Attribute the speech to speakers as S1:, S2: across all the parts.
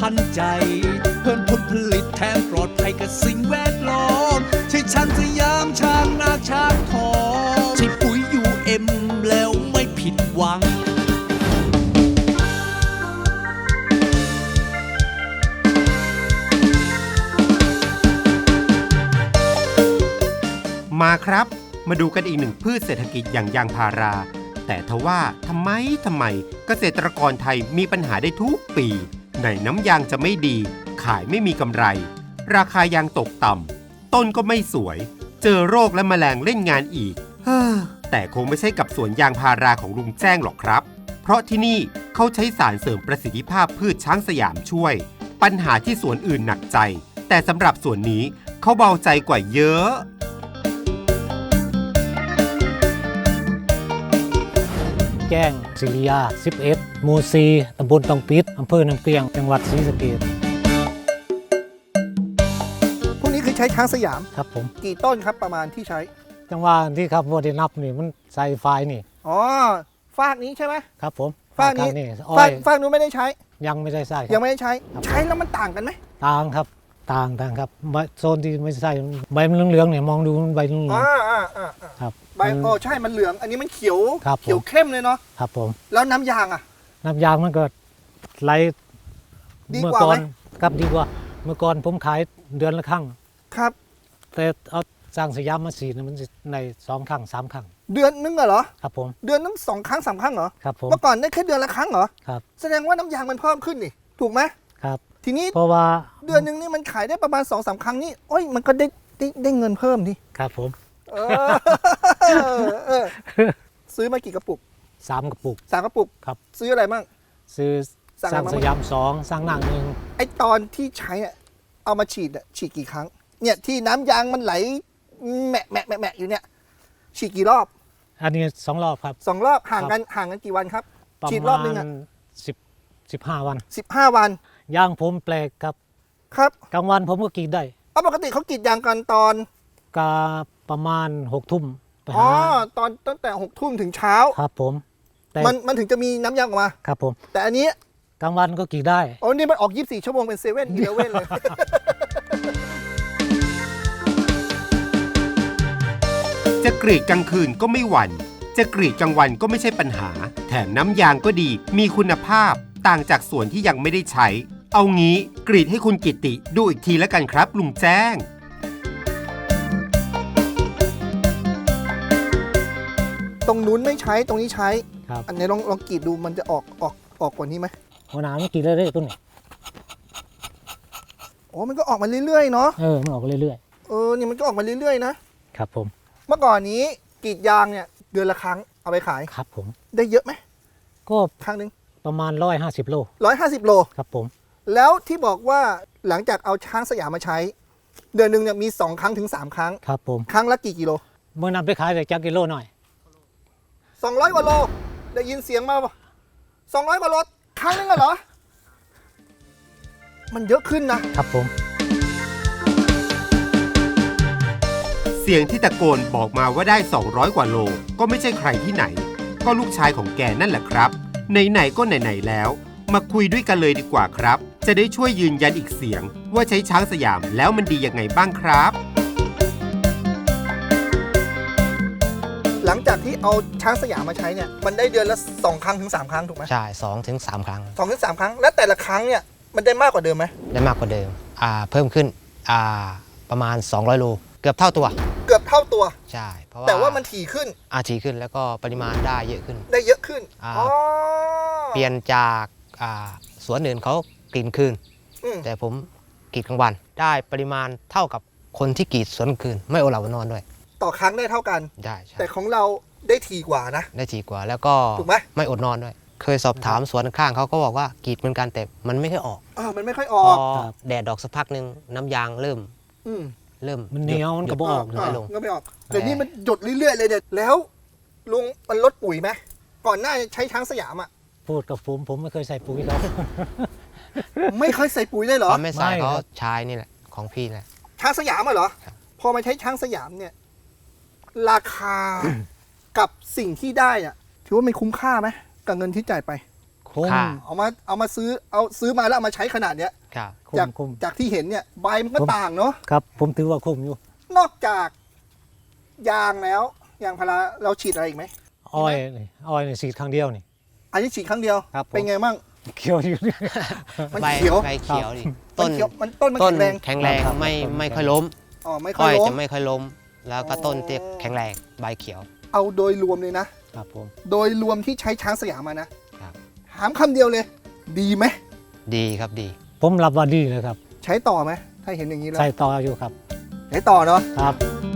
S1: ทันใจเพิ่มผลผลิตแถมปลอดภัยกับสิ่งแวดล้อมใช่ช้างสยามช้างนาช้างทองใช่ปุ๋ยUMแล้วไม่ผิดหวัง
S2: มาครับมาดูกันอีกหนึ่งพืชเศรษฐกิจอย่างยางพาราแต่ทว่าทำไมเกษตรกรไทยมีปัญหาได้ทุกปีไหนน้ำยางจะไม่ดีขายไม่มีกำไรราคายางตกต่ำต้นก็ไม่สวยเจอโรคและแมลงเล่นงานอีกแต่คงไม่ใช่กับสวนยางพาราของลุงแจ้งหรอกครับเพราะที่นี่เขาใช้สารเสริมประสิทธิภาพพืชช้างสยามช่วยปัญหาที่สวนอื่นหนักใจแต่สำหรับสวนนี้เขาเบาใจกว่าเยอะ
S3: แจ้งศิริยา11หมู่4ตำบลตองปิดอำเภอน้ำเกลียงจังหวัดศรีสะเกษ
S4: พวกนี้คือใช้ช้างสยาม
S3: ครับผม
S4: กี่ต้นครับประมาณที่ใช้
S3: จังหวะที่ครับว่าได้นับนี่มันใส่ไฟนี่
S4: อ๋อฟากนี้ใช่ไหม
S3: ครับผม
S4: ฟากนี้ฟากนู้นไม่ได้ใช้
S3: ยังไม่ได้ใส่
S4: ยังไม่ได้ใช้ใช้แล้วมันต่างกันไหม
S3: ต่างครับต่างครับโซนที่ไม่ใส่ใบมันเหลืองๆเนี่ยมองดูมันใบเหลืองครับ
S4: ใบใช่มันเหลืองอันนี้มันเขียวเข้มเลยเนาะ
S3: ครับผม
S4: แล้วน้ำยางอ่ะ
S3: น้ำยางมันก็ไหลเมื่อก่อนครับดีกว่าเมื่อก่อนผมขายเดือนละครั้ง
S4: ครับ
S3: แต่เอาสร้างสยามมาฉีดมันใน2 ครั้ง 3 ครั้ง
S4: เดือนนึงเหรอ
S3: ครับผม
S4: เดือนนึง2 ครั้ง 3 ครั้งเหรอ
S3: ครับผม
S4: เมื่อก่อนได้แค่เดือนละครั้งเหรอ
S3: ครับ
S4: แสดงว่าน้ำยางมันเพิ่มขึ้นนี่ถูกไหม
S3: ครับ
S4: ทีนี้
S3: เพราะว่า
S4: เดือนนึงนี่มันขายได้ประมาณ 2-3 ครั้งนี่โอ้ยมันก็ได้เงินเพิ่มดิ
S3: ครับผม
S4: ซื้อมากี่กระปุก
S3: 3 กระปุก
S4: 3 กระปุก
S3: ครับ
S4: ซื้ออะไรบ้าง
S3: ซื้อสร้างสยาม2สร้างนาง1
S4: ไอตอนที่ใช้เนี่ยเอามาฉีดกี่ครั้งเนี่ยที่น้ำยางมันไหลแมะอยู่เนี่ยฉีดกี่รอบ
S3: อันนี้2 รอบครับ
S4: 2 รอบห่างกันกี่วันครับฉีดรอบนึงอ่ะ
S3: 15 วัน
S4: 15 วัน
S3: ยางผมแปลกครับ
S4: ครับ
S3: กลางวันผมก็กรีดได้
S4: ปกติเขากรีดยางกันตอน
S3: กาประมาณ6 ทุ่ม
S4: อ๋อตอนตั้งแต่6 ทุ่มถึงเช้า
S3: ครับผม
S4: มันถึงจะมีน้ำยางออกมา
S3: ครับผม
S4: แต่อันนี้
S3: กลางวันก็กรีดได้
S4: อ๋อนี่มันออก24 ชั่วโมงเป็น7-Eleven เลย
S2: จะกรีดกลางคืนก็ไม่หวั่นจะกรีดกลางวันก็ไม่ใช่ปัญหาแถมน้ำยางก็ดีมีคุณภาพต่างจากส่วนที่ยังไม่ได้ใช้เอางี้กรีดให้คุณกิติดูอีกทีแล้วกันครับลุงแจ้ง
S4: ตรงนู้นไม่ใช้ตรงนี้ใช้อันนี้ลองกรีดดูมันจะออกกว่านี้ไหม
S3: หัวหน้ามันกรีดเรื่อยๆต้นนี้
S4: โอ้มันก็ออกมาเรื่อยๆเนาะ
S3: มันออกเรื่อย
S4: ๆนี่มันก็ออกมาเรื่อยๆ
S3: นะครับผม
S4: เมื่อก่อนนี้กรีดยางเนี่ยเดือนละครั้งเอาไปขาย
S3: ครับผม
S4: ได้เยอะไหม
S3: ก็
S4: ครั้งนึง
S3: ประมาณ150 โล
S4: 150 โล
S3: ครับผม
S4: แล้วที่บอกว่าหลังจากเอาช้างสยามมาใช้เดือนนึงเนี่ยมี2 ครั้งถึง 3 ครั้ง
S3: ครับผม
S4: ครั้งละกี่กิโล
S3: เมื่อนำไปขายได้จักกิโลหน่อย
S4: 200 กว่าโลได้ยินเสียงมาป่ะ200 กว่าโลครั้งนึงเหรอมันเยอะขึ้น
S3: นะครับผม
S2: เสียงที่ตะโกนบอกมาว่าได้200 กว่าโลก็ไม่ใช่ใครที่ไหนก็ลูกชายของแกนั่นแหละครับไหนๆก็ไหนๆแล้วมาคุยด้วยกันเลยดีกว่าครับจะได้ช่วยยืนยันอีกเสียงว่าใช้ช้างสยามแล้วมันดียังไงบ้างครับ
S4: หลังจากที่เอาช้างสยามมาใช้เนี่ยมันได้เดือนละ2 ครั้งถึง 3 ครั้งถูกไหม
S5: ใช่2 ถึง 3 ครั้ง
S4: 2 ถึง 3 ครั้งและแต่ละครั้งเนี่ยมันได้มากกว่าเดิมไหม
S5: ได้มากกว่าเดิมเพิ่มขึ้นประมาณ200 โลเกือบเท่าตัว
S4: ใ
S5: ช่เพราะว่า
S4: แต่ว่ามันถี่ขึ้น
S5: แล้วก็ปริมาณได้เยอะขึ้นเปลี่ยนจากสวนอื่นเขากรีดคืนแต่ผมกรีดกลางวันได้ปริมาณเท่ากับคนที่กรีดสวนคืนไม่อดหลับอดนอนด้วย
S4: ต่อครั้งได้เท่ากัน
S5: ได้
S4: แต่ของเราได้ถี่กว่านะ
S5: ได้ถี่กว่าแล้วก็ไม่อดนอนด้วยเคยสอบถามสวนข้างเขาก็บอกว่ากรีดเหมือนกันแต่มันไม่ค่อยออก
S4: มันไม่ค่อยออก
S5: แดดดอกสักพักนึงน้ำยางเริ่ม
S3: มันเหนียวมันก็บอก
S4: น้อยลงก็ไม่ออกเดี๋ยวนี้มันหยดเรื่อยๆเลยเด็ดแล้วลุงมันลดปุ๋ยไหมก่อนหน้าใช้ช้างสยาม
S3: พูดกับผมไม่เคยใส่ปุ๋ยเขา
S4: ไม่เคยใส่ปุ๋ยเลยเหรอ
S5: ไม่ใส่เขาใช้นี่แหละของพี่แหละ
S4: ช้างสยามเหรอพอมาใช้ช้างสยามเนี่ยราคากับสิ่งที่ได้ถือว่ามันคุ้มค่าไหมกับเงินที่จ่ายไป
S3: คุ้ม
S5: ค่ะ
S4: เอามาซื้อมาแล้วเอามาใช้ขนาดเนี้ย
S5: ครับ
S3: คุ้
S4: จาก
S3: มคุ้ม
S4: จากที่เห็นเนี่ยใบมันก็
S3: ผม
S4: ต่างเนาะ
S3: ครับผมถือว่าคุ้มอยู่
S4: นอกจากยางแล้วยางพาราเราฉีดอะไรอีกไหม
S3: อ้อยนี่ฉีดครั้งเดียวนี่
S4: อันนี้ฉีดครั้งเดียว
S3: ครับผม
S4: เป็นไงมั่ง
S3: เขียวอยู่
S4: มัน
S5: ใบ
S4: เขียว
S5: ใบเขียวดิ
S4: ต้
S5: ต้
S4: น
S5: น
S4: เขียวต้นมัน
S5: ต้
S4: แข็
S5: น
S4: งแรง
S5: แข็งแรง
S3: ครับ
S5: ไม่ค่อยล้ม
S4: อ๋อไม่ค่
S5: ก้
S4: อ
S5: อย ย
S4: ล้ม
S5: จะไม่ค่อยล้ม แล้วก็ต้นที่แข็งแรงใบเขียว
S4: เอาโดยรวมเลยนะครับ
S3: ผม
S4: โดยรวมที่ใช้ช้างสยามมานะครับ ถามคำเดียวเลย ดีไหม
S5: ดีครับดี
S3: ผมรับว่าดีเลยครับ
S4: ใช้ต่อไหมถ้าเห็นอย่างนี้แล้ว
S3: ใส่ต่ออยู่ครับ
S4: ใช้ต่อเนาะ
S3: ครับ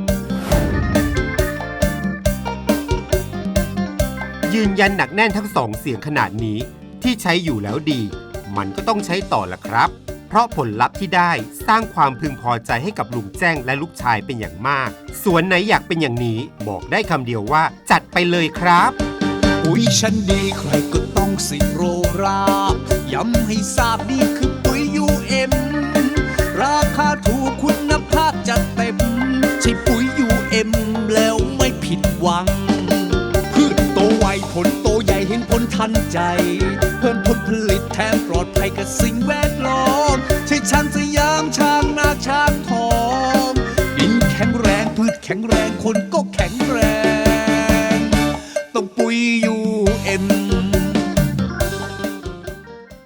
S2: ยืนยันหนักแน่นทั้งสองเสียงขนาดนี้ที่ใช้อยู่แล้วดี มันก็ต้องใช้ต่อละครับ เพราะผลลัพธ์ที่ได้สร้างความพึงพอใจให้กับลุงแจ้งและลูกชายเป็นอย่างมาก สวนไหนอยากเป็นอย่างนี้บอกได้คำเดียวว่าจัดไปเลยครับ
S1: ปุ๋ยชั้นดีใครก็ต้องสิโรราบย้ำให้ทราบนี่คือปุ๋ย UM ราคาถูกคุณภาพจัดเต็มใช่ปุ๋ย UM แล้วไม่ผิดหวัง พืชโตไวผลโตใหญ่เห็นผลทันใจ เพิ่มผลผลิตแถมปลอดภัยกับสิ่งแวดล้อมใช่ช้างสยามช้างนาช้างทองดินแข็งแรงพืชแข็งแรงคนก็แข็งแรงต้องปุ๋ย